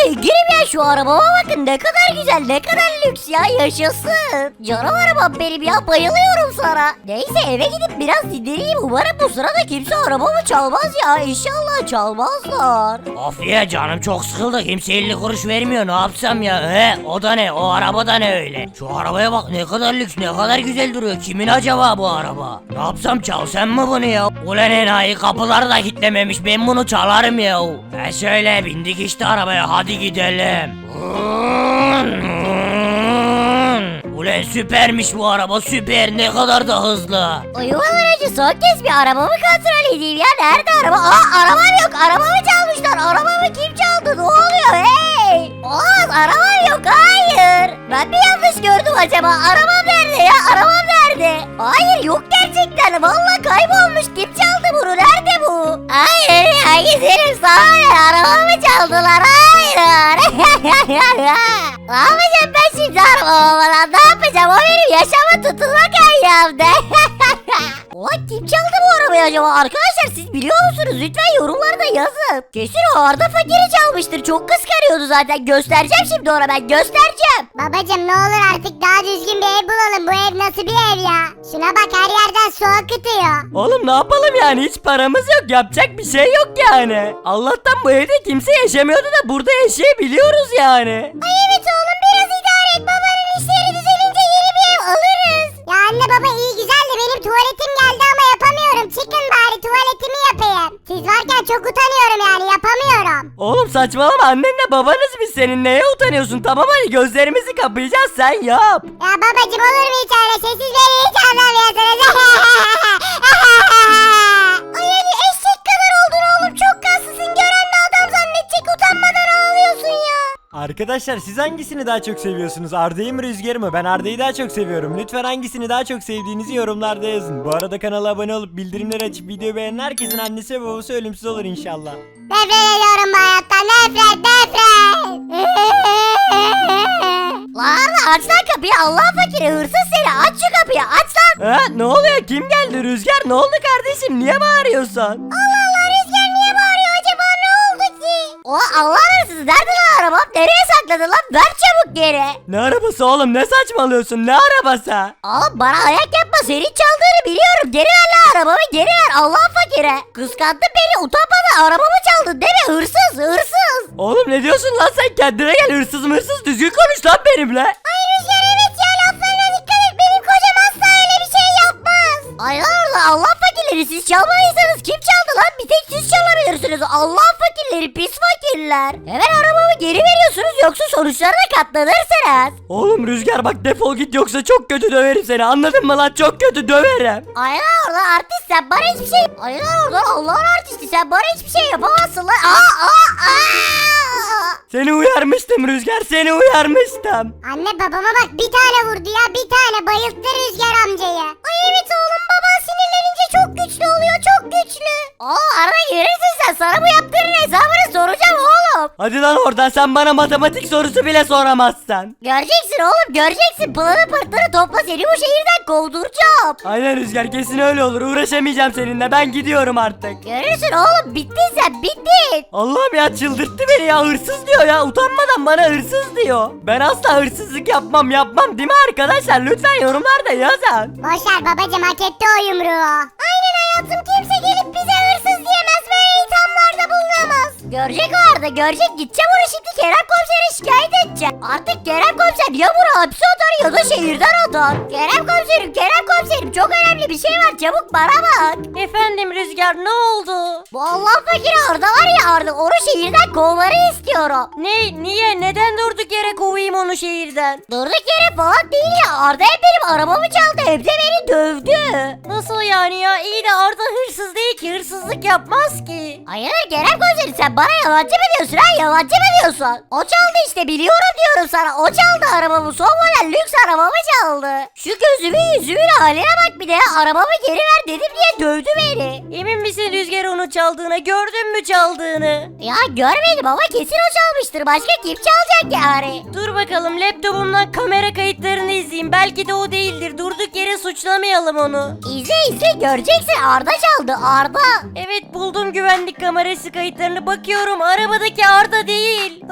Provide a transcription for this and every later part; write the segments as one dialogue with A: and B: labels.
A: zenginim ya, şu arabama bakın ne kadar güzel, ne kadar lüks ya, yaşasın. Canım arabam benim ya, bayılıyorum sana. Neyse eve gidip biraz dinleneyim, umarım bu sırada kimse arabamı çalmaz ya, İnşallah çalmazlar.
B: Of ya, canım çok sıkıldı, kimse 50 kuruş vermiyor, ne yapsam ya? O da ne, o araba da ne öyle? Şu arabaya bak, ne kadar lüks, ne kadar güzel duruyor. Kimin acaba bu araba? Ne yapsam, çalsam mı bunu ya? Ulan enayi, kapıları da kilitlememiş, ben bunu çalarım ya. Şöyle bindik işte arabaya, hadi gidelim. Ulan süpermiş bu araba, süper, ne kadar da hızlı.
A: Uyumadan önce son kez bir arabamı kontrol edeyim ya, nerede araba? Arabam yok, arabamı çalmışlar, arabamı kim çaldı, ne oluyor hey? Olamaz, arabam yok, hayır. Ben mi yanlış gördüm acaba, arabam nerede ya, arabam nerede? Hayır, yok gerçekten, vallahi kaybolmuş, kim çaldı bunu, nerede bu? Hayır ya, gidelim sana ne, arabamı çaldılar, hayır. Ne yapacağım ben şimdi arabama, ne yapacağım, o benim yaşama tutulmak ayağımda. Ulan kim çaldı bu arabayı acaba? Arkadaşlar siz biliyor musunuz? Lütfen yorumlarda yazın. Kesin o Arda Fakir'i çalmıştır. Çok kıskanıyordu zaten. Göstereceğim şimdi ona, ben göstereceğim.
C: Babacım ne olur artık daha düzgün bir ev bulalım. Bu ev nasıl bir ev ya? Şuna bak, her yerden su akıtıyor.
D: Oğlum ne yapalım yani, hiç paramız yok, yapacak bir şey yok yani. Allah'tan bu evde kimse yaşamıyordu da burada yaşayabiliyoruz yani.
C: Ay evet oğlum, biraz idare et. Babanın işleri düzelince yeni bir ev alırız. Ya anne baba iyi güzel de benim tuvaletim geldi ama yapamıyorum. Çıkın bari tuvaletimi yapayım. Siz varken çok utanıyorum yani, yapamıyorum.
D: Oğlum saçmalama, annenle babanız biz, senin neye utanıyorsun? Tamam hadi, gözlerimizi kapayacağız, sen yap.
C: Ya babacım olur mu hiç öyle şey? Siz beni hiç anlamıyorsunuz. Ay hadi eşek kadar oldun oğlum, çok kaslısın. Gören de adam zannedecek, utanmadan ağlıyorsun ya.
E: Arkadaşlar siz hangisini daha çok seviyorsunuz? Arda'yı mı Rüzgar'ı mı? Ben Arda'yı daha çok seviyorum. Lütfen hangisini daha çok sevdiğinizi yorumlarda yazın. Bu arada kanala abone olup bildirimleri açıp videoyu beğenen herkesin annesi ve babası ölümsüz olur inşallah.
C: Nefret ediyorum bu hayattan, nefret.
A: Lan aç lan kapıyı, Allah Fakiri, hırsız seni, aç şu kapıyı, aç lan.
D: Ne oluyor, kim geldi? Rüzgar ne oldu kardeşim, niye bağırıyorsun?
C: Allah Allah, Rüzgar niye bağırıyor acaba, ne oldu ki?
A: Allah hırsız, nerede lan arabam, nereye sakladın lan, ver çabuk geri.
D: Ne arabası oğlum, ne saçmalıyorsun, ne arabası?
A: Bana ayak yapma, senin çaldığını biliyorum, geri ver lan arabamı, geri ver, Allah Fakire. Kıskandın beni, utanmadan arabamı çaldın değil mi, hırsız, hırsız.
D: Oğlum ne diyorsun lan sen, kendine gel, hırsız mırsız, düzgün konuş lan benimle.
C: Ay Rüzgar evet ya, laflarına dikkat et, benim kocam asla öyle bir şey yapmaz.
A: Ay orada Allah fakirleri, siz çalmadıysanız kim çaldı lan, bir tek siz çalabilirsiniz, Allah fakirleri, pis fakirler. Hemen arabamı geri veriyorsunuz, yoksa sonuçlarına katlanırsınız.
D: Oğlum Rüzgar bak, defol git, yoksa çok kötü döverim seni, anladın mı lan, çok kötü döverim.
A: Aynen orada artist, sen bana hiçbir şey... Aynen orada Allah'ın artisti, sen bana hiçbir şey yapamazsın lan.
D: Seni uyarmıştım Rüzgar, seni uyarmıştım.
C: Anne babama bak, bir tane vurdu ya, bir tane bayılttı Rüzgar amcayı. Ay evet oğlum, baban sinirlenince çok güçlü oluyor, çok güçlü.
A: Arada gelirsin sen, sana bu yaptığının hesabını soracağım oğlum.
D: Hadi lan oradan, sen bana matematik sorusu bile soramazsın.
A: Göreceksin oğlum, göreceksin, pılını pırtını topla, seni bu şehirden kovduracağım.
D: Aynen Rüzgar, kesin öyle olur, uğraşamayacağım seninle, ben gidiyorum artık.
A: Görürsün oğlum, bittin sen, bittin.
D: Allah'ım ya, çıldırttı beni ya, hırsız diyor ya, utanmadan bana hırsız diyor. Ben asla hırsızlık yapmam değil mi arkadaşlar, lütfen yorumlarda yazın.
C: Boşver babacım, hak etti o yumruğu. Aynen hayatım, kimse gelip bize hırsız diyemez, böyle ithamlarda bulunamaz.
A: Görecek o Arda, görecek, gideceğim onu şimdi Kerem komisere şikayet edeceğim. Artık Kerem komiser ya bunu hapse atar ya da şehirden atar. Kerem komiserim çok önemli bir şey var, çabuk bana bak.
F: Efendim Rüzgar, ne oldu?
A: Bu Allah fakiri Arda var ya, Arda onu şehirden kovmanı istiyorum.
F: Ne? Niye? Neden durduk yere kovayım onu şehirden?
A: Durduk yere falan değil ya, Arda hem benim arabamı çaldı hem de beni dövdü.
F: Nasıl yani ya? İyi de Arda hırsız değil ki, hırsızlık yapmaz ki.
A: Hayır Kerem komiserim, sen bana yalancı mı diyorsun ha, yalancı mı diyorsun? O çaldı işte, biliyorum diyorum sana, o çaldı arabamı, son model lüks arabamı çaldı. Şu gözümün yüzümün haline bak, bir de arabamı geri ver dedim diye dövdü beni.
F: Emin misin Rüzgar onu çaldığına? Gördün mü çaldığını?
A: Ya görmedim ama kesin o çalmıştır, başka kim çalacak yani?
F: Dur bakalım, laptopumdan kamera kayıtlarını izleyeyim. Belki de o değildir. Durduk yere suçlamayalım onu.
A: İzle göreceksin, Arda çaldı, Arda.
F: Evet, buldum güvenlik kamerası kayıtlarını, bakıyorum. Arabadaki Arda değil. Arabada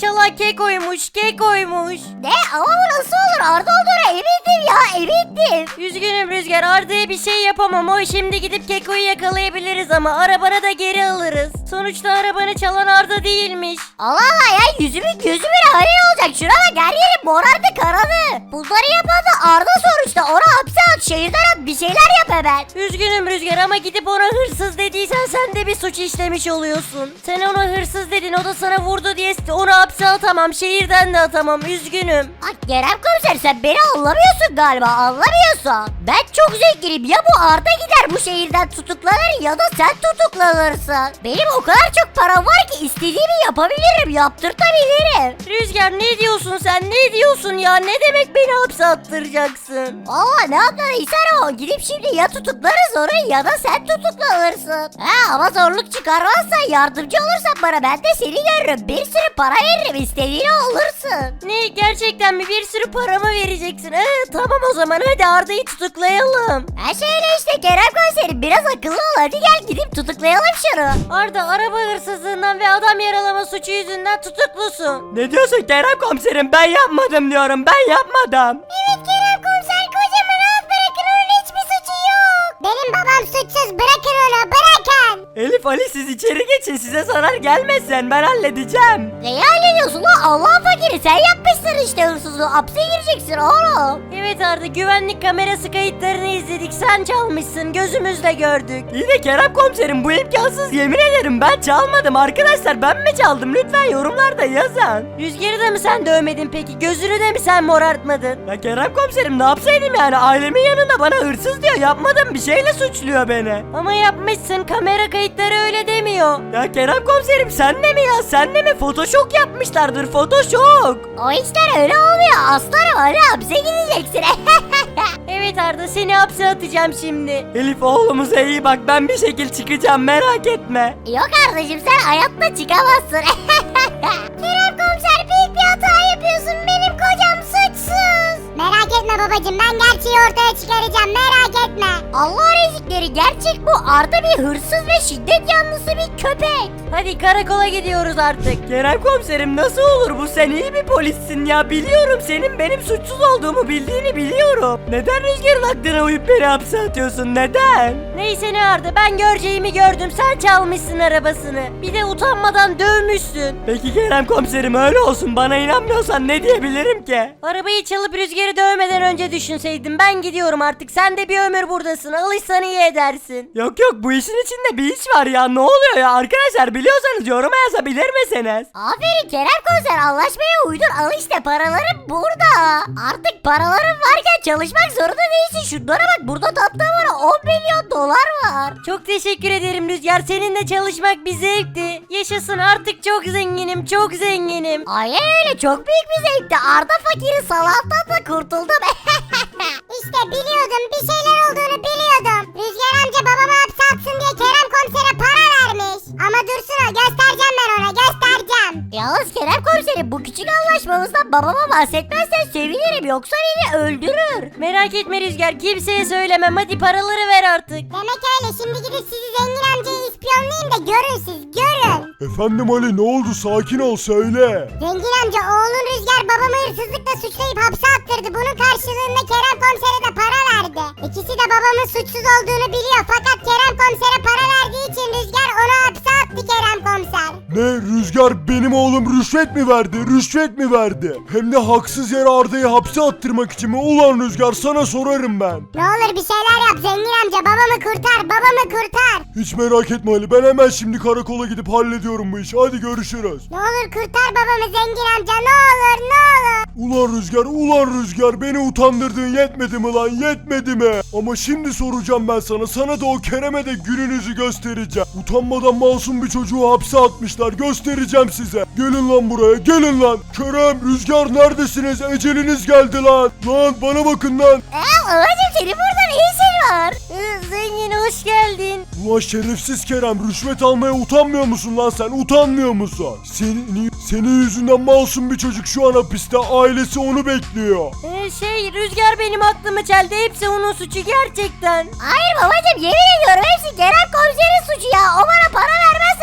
F: çalan Keko'ymuş, Keko'ymuş.
A: Ne ama bu nasıl olur? Arda olduğuna emindim ya, emindim.
F: Üzgünüm Rüzgar, Arda'ya bir şey yapamam. O şimdi gidip Keko'yu yakalayabiliriz ama arabanı da geri alırız. Sonuçta arabanı çalan Arda değilmiş.
A: Allah Allah ya, yüzümün gözümün hali olacak. Şuna bak, her yerim morardı, karadı. Bunları yapan da Arda sonuçta. Onu hapse at, şehirden at, bir şeyler yap hemen.
F: Üzgünüm Rüzgar ama gidip ona hırsız dediysen sen de bir suç işlemiş oluyorsun. Sen ona hırsız dedin, o da sana vurdu diye onu hapse atamam, şehirden de atamam. Üzgünüm.
A: Bak Kerem komiser, sen beni anlamıyorsun galiba, anlamıyorsun. Ben çok zenginim, ya bu Arda gider bu şehirden tutuklanır ya da sen tutuklanırsın. Benim o kadar çok param var ki istediğimi yapabilirim, yaptırtabilirim.
F: Rüzgar ne diyorsun sen, ne diyorsun ya? Ne demek beni hapse attıracaksın?
A: Valla ne anladıysan o, gidip şimdi ya tutuklarız onu ya da sen tutuklanırsın. Ha, ama zorluk çıkarmazsan, yardımcı olursan bana, ben de seni görürüm. Bir sürü para veririm, istediğini olursun.
F: Ne, gerçekten mi? Bir sürü paramı vereceksin? Tamam o zaman hadi Arda'yı tutuklayalım.
A: Ha şöyle işte Kerem komiserim, biraz akıllı ol, hadi gel gidip tutuklayalım şunu.
F: Arda araba hırsızlığından ve adam yaralama suçu yüzünden tutuklusun.
D: Ne diyorsun Kerem komiserim, ben yapmadım diyorum, ben yapmadım.
C: Evet Kerem komiser, kocamı rahat bırakın, onun hiçbir suçu yok. Benim babam suçsuz, bırakın onu, bırakın.
D: Elif, Ali, siz içeri geçin, size zarar gelmesin, ben halledeceğim.
A: Neyi hallediyorsun lan, Allah'ın fakiri, sen yapmışsın işte hırsızlığı, hapse gireceksin oğlum.
F: Evet Arda, güvenlik kamerası kayıtlarını izledik, sen çalmışsın, gözümüzle gördük.
D: İyi de Kerem komiserim, bu imkansız, yemin ederim ben çalmadım arkadaşlar, ben mi çaldım, lütfen yorumlarda yazın.
F: Rüzgar'ı da mı sen dövmedin peki, gözünü de mi sen morartmadın?
D: Ya Kerem komiserim, ne yapsaydım yani, ailemin yanında bana hırsız diyor, yapmadım, bir şeyle suçluyor beni.
F: Ama yapmışsın, kamera kayıtları öyle demiyor.
D: Ya Kerem komiserim, sen de mi ya, sen de mi, photoshop yapmışlardır, photoshop.
A: O işler öyle olmuyor aslanım, öyle hapse gideceksin.
F: Evet Arda, seni hapse atacağım şimdi.
D: Elif, oğlumuza iyi bak, ben bir şekil çıkacağım, merak etme.
A: Yok kardeşim, sen hayatta çıkamazsın.
C: Kerem komiser, büyük bir hata yapıyorsun, benim kocam suçsuz. Merak etme babacım, ben gerçeği ortaya çıkaracağım, merak etme.
A: Allah rezikleri, gerçek bu. Arda bir hırsız ve şiddet yanlısı bir köpek.
F: Hadi karakola gidiyoruz artık.
D: Kerem komiserim, nasıl olur bu, sen iyi bir polissin ya, biliyorum senin benim suçsuz olduğumu bildiğini biliyorum. Neden Rüzgar'ın aklına uyup beni hapse atıyorsun, neden?
F: Neyse ne Arda, ben göreceğimi gördüm, sen çalmışsın arabasını. Bir de utanmadan dövmüşsün.
D: Peki Kerem komiserim, öyle olsun, bana inanmıyorsan ne diyebilirim ki?
F: Arabayı çalıp Rüzgar'ı dövmeden önce düşünseydim. Ben gidiyorum artık, sen de bir ömür buradasın, alışsan iyi edersin.
D: Yok yok, bu işin içinde bir iş var ya, ne oluyor ya arkadaşlar, biliyorsanız yoruma yazabilir misiniz?
A: Aferin Kerem komiser, anlaşmaya uydun, al işte paralarım burada. Artık paraların varken çalışmak zorunda değilsin. Şunlara bak, burada tatlı var, 10 milyon dolar var.
F: Çok teşekkür ederim Rüzgar, seninle çalışmak bir zevkti. Yaşasın, artık çok zenginim, çok zenginim.
A: Aynen öyle, çok büyük bir zevkti. Arda fakiri salaktan da kurtuldum.
C: İşte biliyordum, bir şeyler olduğunu biliyordum. Rüzgar amca babamı hapse atsın diye Kerem komisere para vermiş. Ama dursun o, göstereceğim ben ona, göstereceğim.
A: Yalnız Kerem komiserim, bu küçük anlaşmamızdan babama bahsetmezsen sevinirim, yoksa beni öldürür.
F: Merak etme Rüzgar, kimseye söylemem, hadi paraları ver artık.
C: Demek öyle, şimdi gidip sizi zengin amcayı ispiyonlayayım da görün siz, görün.
E: Efendim Ali, ne oldu, sakin ol, söyle.
C: Zengin amca, oğlun Rüzgar babamı hırsızlıkla suçlayıp hapse attırdı. Bunun karşılığında Kerem komisere de para verdi. İkisi de babamın suçsuz olduğunu biliyor. Fakat Kerem komisere para verdiği için Rüzgar onu hapse attı Kerem komiser.
E: Ne, Rüzgar benim oğlum rüşvet mi verdi, rüşvet mi verdi? Hem de haksız yere Arda'yı hapse attırmak için mi? Ulan Rüzgar, sana sorarım ben.
C: Ne olur bir şeyler yap zengin amca, babamı kurtar, babamı kurtar.
E: Hiç merak etme Ali, ben hemen şimdi karakola gidip hallediyorum bu işi, hadi görüşürüz.
C: Ne olur kurtar babamı zengin amca, ne olur ne olur.
E: Ulan Rüzgar, beni utandırdığın yetmedi mi lan, yetmedi mi? Ama şimdi soracağım ben sana da o Kerem'e de gününüzü göstereceğim. Utanmadan masum bir çocuğu hapse atmışlar, göstereceğim size. Gelin lan buraya, gelin lan. Kerem, Rüzgar neredesiniz, eceliniz geldi lan. Lan bana bakın lan.
A: Babacım, senin burada ne işin var?
F: Zengin hoş geldin.
E: Ulan şerefsiz Kerem, rüşvet almaya utanmıyor musun lan sen, utanmıyor musun? Senin yüzünden masum bir çocuk şu an hapiste, ailesi onu bekliyor.
F: Rüzgar benim aklımı çeldi, hepsi onun suçu gerçekten.
A: Hayır babacım, yemin ediyorum hepsi Kerem komiserin suçu ya. O bana para vermezse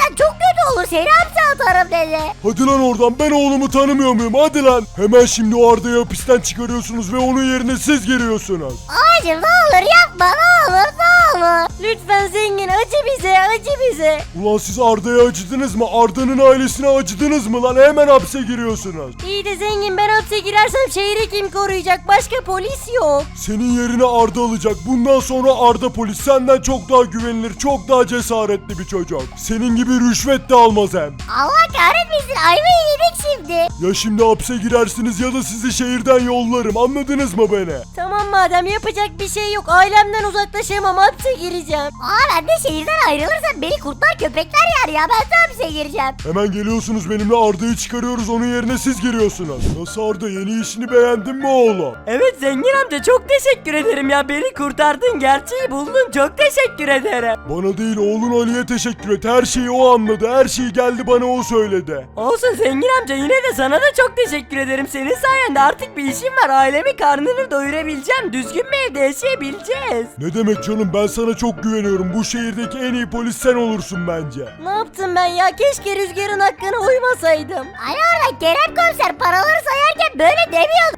A: gidersen çok kötü olur. Seni hapse atarım dedi.
G: Hadi lan oradan, ben oğlumu tanımıyor muyum? Hadi lan. Hemen şimdi o Arda'yı hapisten çıkarıyorsunuz ve onun yerine siz giriyorsunuz.
A: Babacım ne olur yapma, ne olur ne olur.
F: Lütfen zengin acı bize, acı bize.
G: Ulan siz Arda'ya acıdınız mı? Arda'nın ailesine acıdınız mı lan? Hemen hapse giriyorsunuz.
F: İyi de zengin, ben hapse girersem şehri kim koruyacak? Başka polis yok.
G: Senin yerine Arda alacak. Bundan sonra Arda polis senden çok daha güvenilir, çok daha cesaretli bir çocuk. Senin gibi rüşvet de almaz hem.
A: Allah kahretmesin, ayvayı yedik şimdi.
G: Ya şimdi hapse girersiniz ya da sizi şehirden yollarım. Anladınız mı beni?
F: Tamam madem, yapacak bir şey yok. Ailemden uzaklaşamam, hapse gireceğim.
A: Ben de şehirden ayrılırsam beni kurtlar köpekler yer ya, ben de hapse gireceğim.
G: Hemen geliyorsunuz benimle, Arda'yı çıkarıyoruz, onun yerine siz giriyorsunuz. Nasıl Arda, yeni işini beğendin mi oğlum?
D: Evet zengin amca, çok teşekkür ederim ya, beni kurtardın, gerçeği buldun, çok teşekkür ederim.
G: Bana değil, oğlun Ali'ye teşekkür et. Her şeyi o anladı, her şeyi geldi bana o söyledi.
D: Olsun zengin amca, yine de sana da çok teşekkür ederim. Senin sayende artık bir işim var, ailemi karnını doyurabileceğim, düzgün bir evde yaşayabileceğiz.
G: Ne demek canım, ben sana çok güveniyorum. Bu şehirdeki en iyi polis sen olursun bence.
F: Ne yaptım ben ya? Keşke Rüzgar'ın hakkına uymasaydım.
A: Hani orada Kerem komiser paraları sayarken böyle demiyordu.